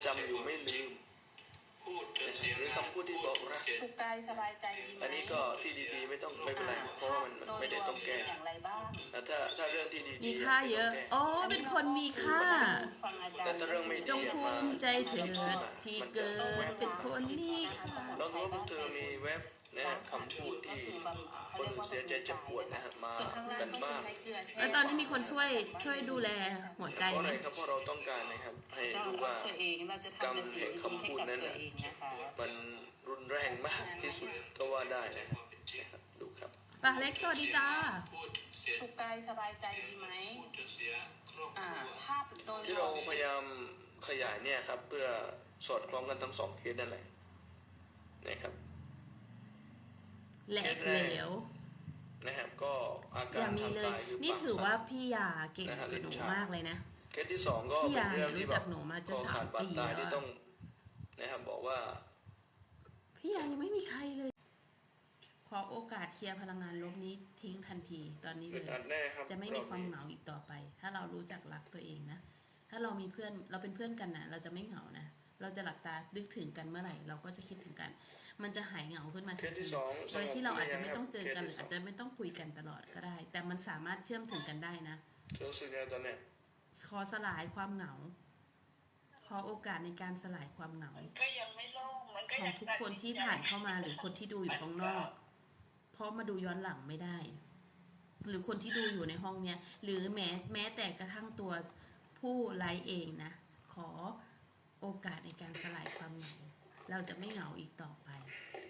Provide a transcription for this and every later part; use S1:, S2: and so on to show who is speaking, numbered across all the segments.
S1: จำอยู่ไม่ลืมหรือคำพูดที่บอกรัก
S2: สุขกายสบายใจดีไหม
S1: อันนี้ก็ที่ดีๆไม่เป็นไรเพราะมันไม่ได้ต้องแก้ถ้าเรื่องที่ดี
S3: มีค่าเยอะโอ้เป็นคนมีค่า
S1: แต่ถ้าเรื่องไม่ดี
S3: จงภูมิใจเถิดที่เกิดเป็นคนนี้
S1: ลองดูว่าพวกเธอมีเว็บนะคำพูดที่คนเสียใจเจ็บปวดนะฮะมากันบ้าง
S3: แล้วตอนนี้มีคนช่วยดูแลหัวใจไหม
S1: ครับเพราะเราต้องการนะครับให้รู้ว่ากรรมแห่งคำพูดนั้นมันรุนแรงมากที่สุดก็ว่าได้นะครับดูครับ
S3: ป้าเล็กสวัสดีจ้า
S2: สุขกายสบายใจดีไหมภาพโดย
S1: ที่เราพยายามขยายเนี่ยครับเพื่อสอดคล้องกันทั้งสองเคสนั่นแหละนะครับ
S3: แหลกเหลว
S1: นะครับก็อาการ
S3: ทางกายนี่ถือว่าพี่ยาเก่งกับหนูมากเลยนะ
S1: เคสที่สองก็
S3: พี่ยาเนี่ยรู้จักหนูมาจะ3 ปี
S1: แล้วต้องนะครับบอกว่า
S3: พี่ยายังไม่มีใครเลยขอโอกาสเคลียร์พลังงานลบนี้ทิ้งทันทีตอนนี้เลยจะไม่มีความเหงาอีกต่อไปถ้าเรารู้จักรักตัวเองนะถ้าเรามีเพื่อนเราเป็นเพื่อนกันนะเราจะไม่เหงานะเราจะหลับตานึกถึงกันเมื่อไหร่เราก็จะคิดถึงกันมันจะหายเหงาขึ้นมาทันทีโดยที่เราอาจจะไม่ต้องเจอกันหรืออาจจะไม่ต้องคุยกันตลอดก็ได้แต่มันสามารถเชื่อมถึงกันได้นะ
S1: รู้สึกยังไงตอนเนี้ย
S3: ขอสลายความเหงาขอโอกาสในการสลายความเหงาของทุกคนที่ผ่านเข้ามาหรือคนที่ดูอยู่ข้างนอกเพราะมาดูย้อนหลังไม่ได้หรือคนที่ดูอยู่ในห้องเนี้ยหรือแม้แต่กระทั่งตัวผู้ไลฟ์เองนะขอโอกาสในการสลายความเหงาเราจะไม่เหงาอีกต่อไป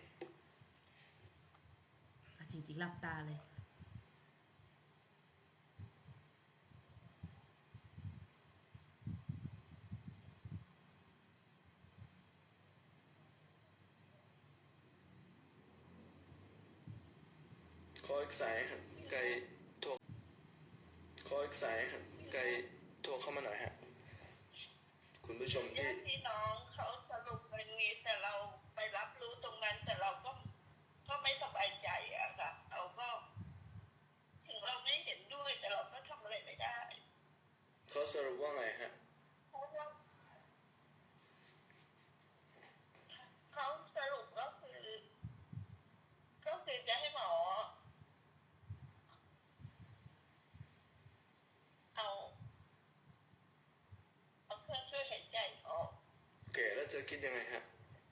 S3: จริงๆหลับตาเลย
S1: ขออีกสายครับไกลโทรขออีกสายครับไกลโทรเข้ามาหน่อยฮะคุณผู้ชม
S4: ที่น้องเขาสรุปเป็นนี้แต่เราไปรับรู้ตรงนั้นแต่เราก็ไม่สบายใจอะค่ะเราก็ถึงเราไม่เห็นด้วยแต่เราก็ทำอะไรไม่ได้
S1: เขาสรุปว่าไงฮะ
S4: เขาสรุปก็คือจะให้หมอเอาเครื่องช่วยหายใจออก
S1: โอเคแล้วเธอคิดยังไงฮะ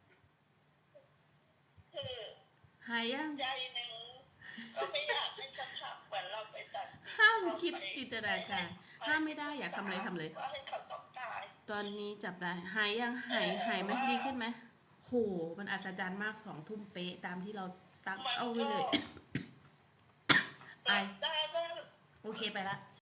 S4: คือ
S3: หายยัง
S4: ใจหนึ่งก็ไม่อยากให้สักพักเหมือนเราไปตัด
S3: ห้ามคิดจินตนาการห้ามไม่ได้อยากทำอะไรทำเลยตอนนี้จับได้หายยังหายไหมดีขึ้นไหมโหมันอัศจรรย์มาก2 ทุ่มเป๊ะตามที่เราตั้งเอาไว้เลยไอโอเคไปละ